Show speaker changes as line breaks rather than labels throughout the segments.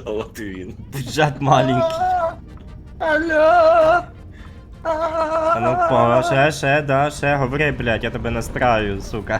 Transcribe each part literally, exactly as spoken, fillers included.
От і він.
Бюджет маленький.
Алло!
А ну по, ще, ще, да, ще, говори, блядь, я тебе настраю, сука.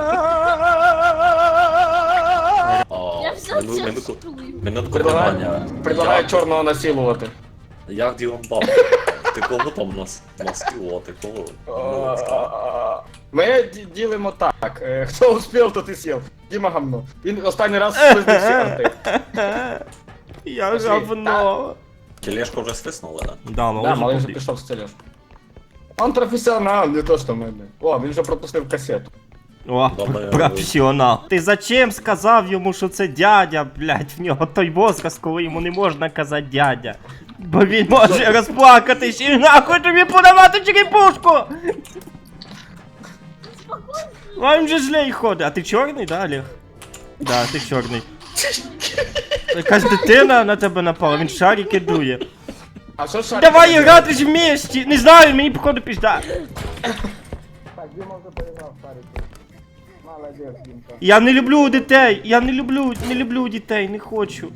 А,
Я все
мину-
це
минутку-
чую.
Минутку
Предлагаю,
питання.
предлагаю
Як-
чорного насилувати.
Як Ділан Баб? Ти кого там нас маскило, ти кого? Ну, так.
Ми ді- ділимо так. е, Хто успів, то ти сів. Діма гамно. Він останній раз спиздив всі арти.
Я
Пошли.
говно.
Тележку вже стиснули, да?
Да, ну
Да, малий вже
вже
пішов з тележку. Он професіонал, не то що ми. блін. О, він вже пропустив касету.
О,
Добре,
професіонал. Ти зачем сказав йому, що це дядя, блядь, в нього той возраст, коли йому не можна казати дядя. Бо він може розплакатись і нахуй тобі подавати черепушку! А він же злей ходить. А ти чорний, да, Олег? Да, ти чорний. Якась дитина на тебе напала, він шарики дує.
А що шарик?
Давай грати ж вместе! Не знаю, мені походу пізда.
Так, Діма вже поіграв в шарики. Молодець, Дімка.
Я не люблю дітей, я не люблю, не люблю дітей, не хочу.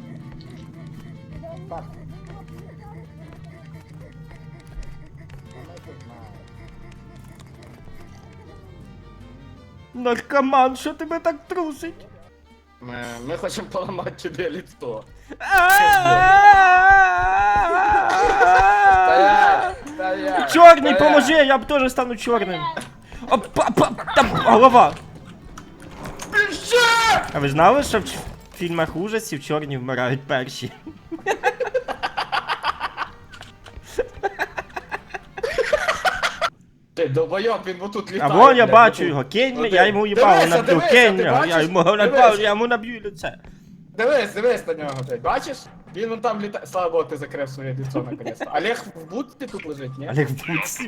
Наркоман, що тебе так трусить?
Ми, ми хочемо поламати тобі лицо. Стоять! Стоять!
Чорний,
стоять.
поможи, я б теж стану чорним. Опа, па, там голова. А ви знали, що в ч- фільмах ужасів чорні вмирають перші?
Ти долбойоб, він отут
А
літає.
вон я
блядь,
бачу
отут.
його, кинь
Ну,
я
ти-
йому їбало
дивися,
наб'ю,
дивися,
кинь
ти
його, я
бачиш?
йому
Дивись.
наб'ю, я йому наб'ю лице.
Дивись, дивись на нього, блядь, бачиш? Він вон там літає. Слава Богу, ти закрив своє лицо наконец-то. Олег в будці тут лежить, ні?
Олег в бутсі.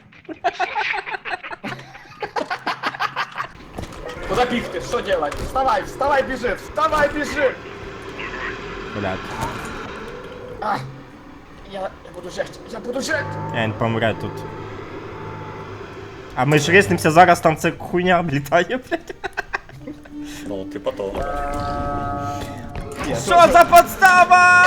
Куда бігти? Що делать? Вставай, вставай, біжи, вставай, біжи!
Блядь,
А, я, я буду жить, я буду жить!
він помре тут. А ми ж риснимося зараз, там ця хуйня облітає, блядь.
Ну, типа того.
Що за подстава?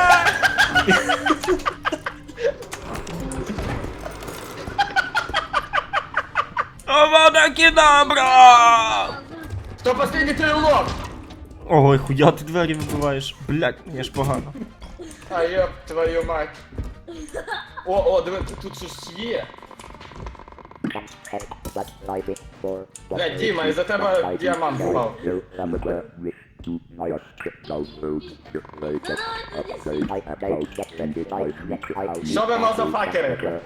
Авада кедабра!
Хто последній трилог?
Ой, хуя ти двері вибиваєш. Блядь, мені ж погано.
А ёб твою мать. О, о, диви, тут, тут щось є. Бля, Діма, із-за тебе діамант впав. Що ви, мазафакери?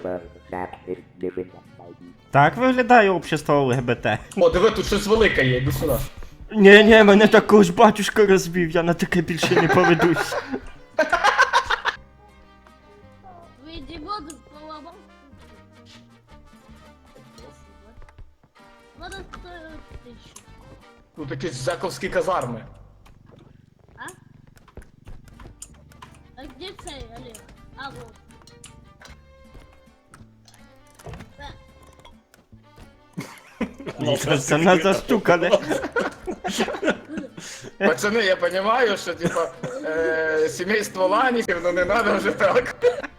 Так виглядає общество ЛГБТ.
О, диви, тут щось велике є, іди сюди.
Ні, ні, мене також батюшка розбив, я на таке більше не поведусь.
Ви Дімону поламав. Вона стоїть тисячу.
Тут якісь заковські казарми.
А? А где цей, Олег? А, вот. Да.
Це не за штука, не?
Пацани, я розумію, що типа е, сімейство ланіків, ну не треба вже так.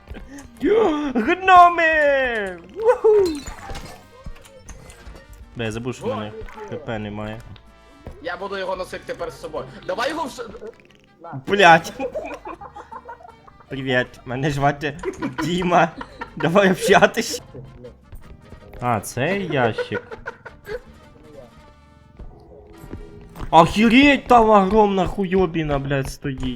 Гноми! Уху! Бля, я забув, що в мене ХП немає.
Я буду його носити тепер з собою. Давай його в ш...
Блять. Привіт, мене звати Діма. Давай общатись. А, цей ящик. Охереть, там огромна хуйобіна, блядь, стоїть.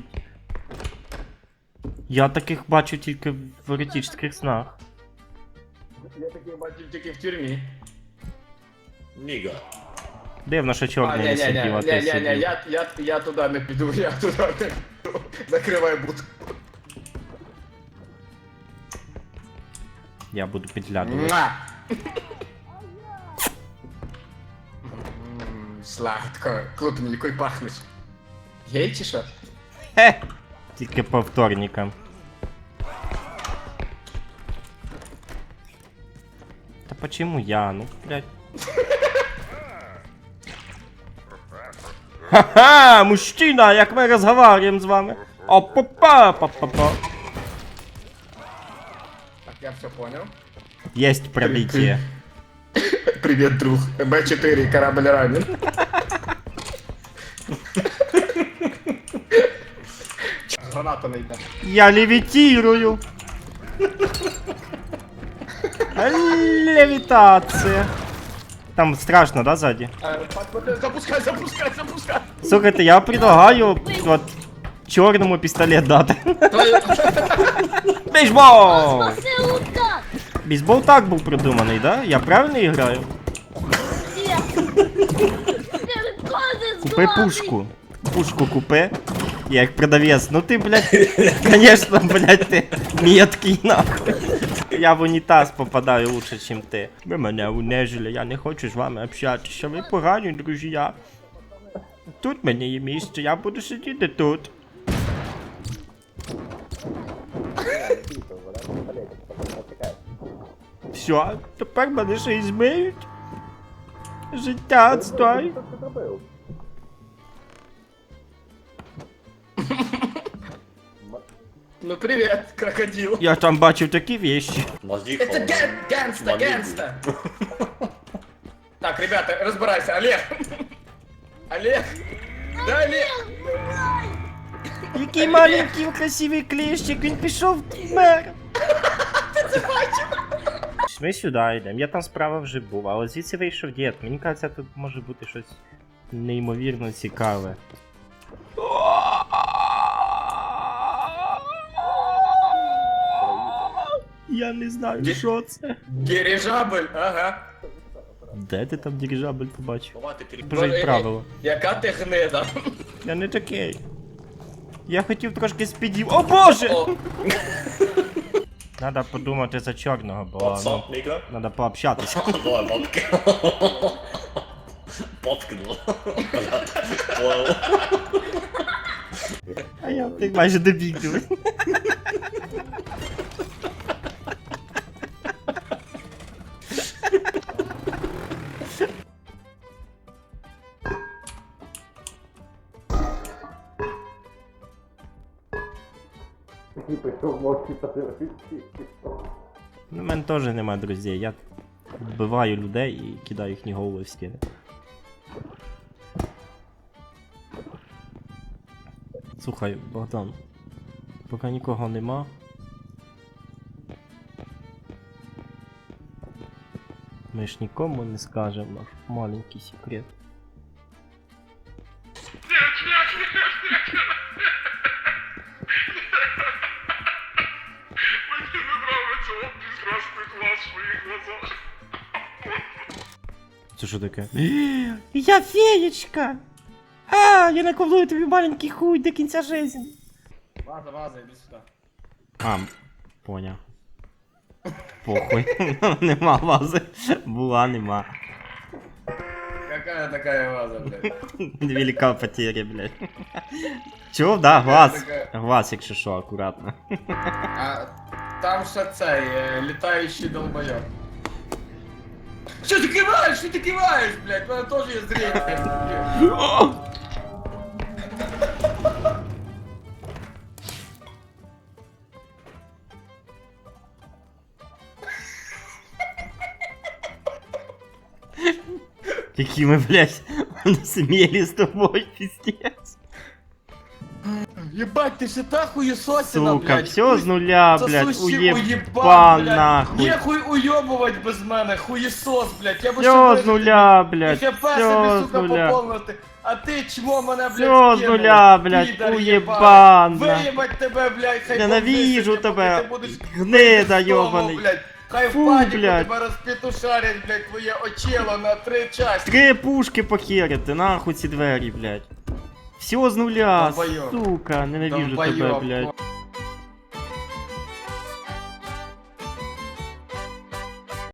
Я таких бачу тільки в еротичних снах.
Я такий бачив тільки в тюрмі.
Ніга.
Дивно, що
А,
чорний
ні,
не
ні,
сидів, а
ні,
ти
ні, ні, ні,
сидів.
я, я, я туди не піду, я туди не піду. Закривай будку.
Я буду підглядувати.
Муа! М, Сладко. Круто, мені який пахнеш. Гей чи що?
Хе! Тільки по вторникам. Та почему я? Ну, блядь. Ха-ха! Мужчина, як ми розговариваємо з вами. Опа-па-па-па-па.
Так, я все понял.
Есть пробитие.
Привет, друг. Б четыре, корабль ранен. Граната найде.
Я левитирую. Левитация. Там страшно, да, сзади?
Запускай, запускай, запускай.
Слухайте, я предлагаю от чорному пістолет дати. Бейсбол!
Спаси удар!
Бейсбол так був придуманий, да? Я правильно граю?
Нет! Ты козы
Купи пушку. Пушку купи. Я як продавець. Ну ти, блядь, конечно, блядь, ти меткий нахуй. Я в унітаз попадаю лучше, чим ти. Ви мене унежили, я не хочу з вами общатися. Ви погані, друзі. Тут мені є місце, я буду сидіти тут. Все, тепер мене ще й змиють. Життя отстой.
Ну привет, крокодил.
Я там бачив такі вещи.
Мозги
Это ген генста,
Мобильный.
генста. Так, ребята, разбирайся. Олег. Олег. Да, Олег.
Який маленький красивий клещик, він пішов мер. Ми сюди йдемо, я там справа вже був, але звідси вийшов дід. Мені кажеться, тут може бути щось неймовірно цікаве. Я не знаю,
Ді-
що це.
Дирижабль, ага.
Де ти там дирижабль побачив?
Давайте пере-
Вже й правило.
Яка ти гнида.
Я не такий. Я хотів трошки спідів. О боже!
О,
Надо подумати за чорного, бо
What's
ну,
up, nigga?
надо пообщатися.
Давай, бабка. Поткнул. Понял.
А я ти майже добіг диви. Ну, в мене теж нема друзів. Я вбиваю людей і кидаю їхні голови в стіни. Слухай, Богдан, поки нікого нема. Ми ж нікому не скажемо наш маленький секрет.
Мне не нравится, он прекрасный глаз в своих глазах.
Це що таке? Я феєчка! А, я наколую тобі маленький хуй до кінця жизни.
ваза, ваза, иди сюда.
А, поняв. Похуй. Нема вази. Була, нема.
Какая такая ваза, блядь?
Велика потеря, блядь. Чув, да, глаз.
така-
Глаз, якщо що, акуратно.
А там ще цей е, літаючий долбойоб. Що ти киваєш? Що ти киваєш, блядь? У мене теж є зріння.
Які ми, блядь, сміли з тобою, пиздец.
Єбать, ти ще та хуєсосина,
Сука,
блядь.
все з нуля,
Це
блядь,
суші
уєбан
блядь.
нахуй.
Нехуй уйобувати без мене, хуєсос, блядь. Я б
Все з нуля, блядь,
Я себе,
все з
сука,
нуля.
поповнити. А ти чмо мене, блядь,
Всё з
кинув,
нуля, блядь,
підар
уєбана.
єбаний. Виїбать тебе, блядь, хай
Ненавижу
повісять,
тебе,
поки ти будеш
гнида
вдома,
йобаний.
блядь. Хай
Фу,
в паніку
блядь.
тебе розпетушарять, блядь, твоє очело на три часті.
Три пушки похерити, нахуй ці двері, блядь. Все з нуля,
Долбойоб.
сука, ненавижу тебе,
Долбойоб.
блядь.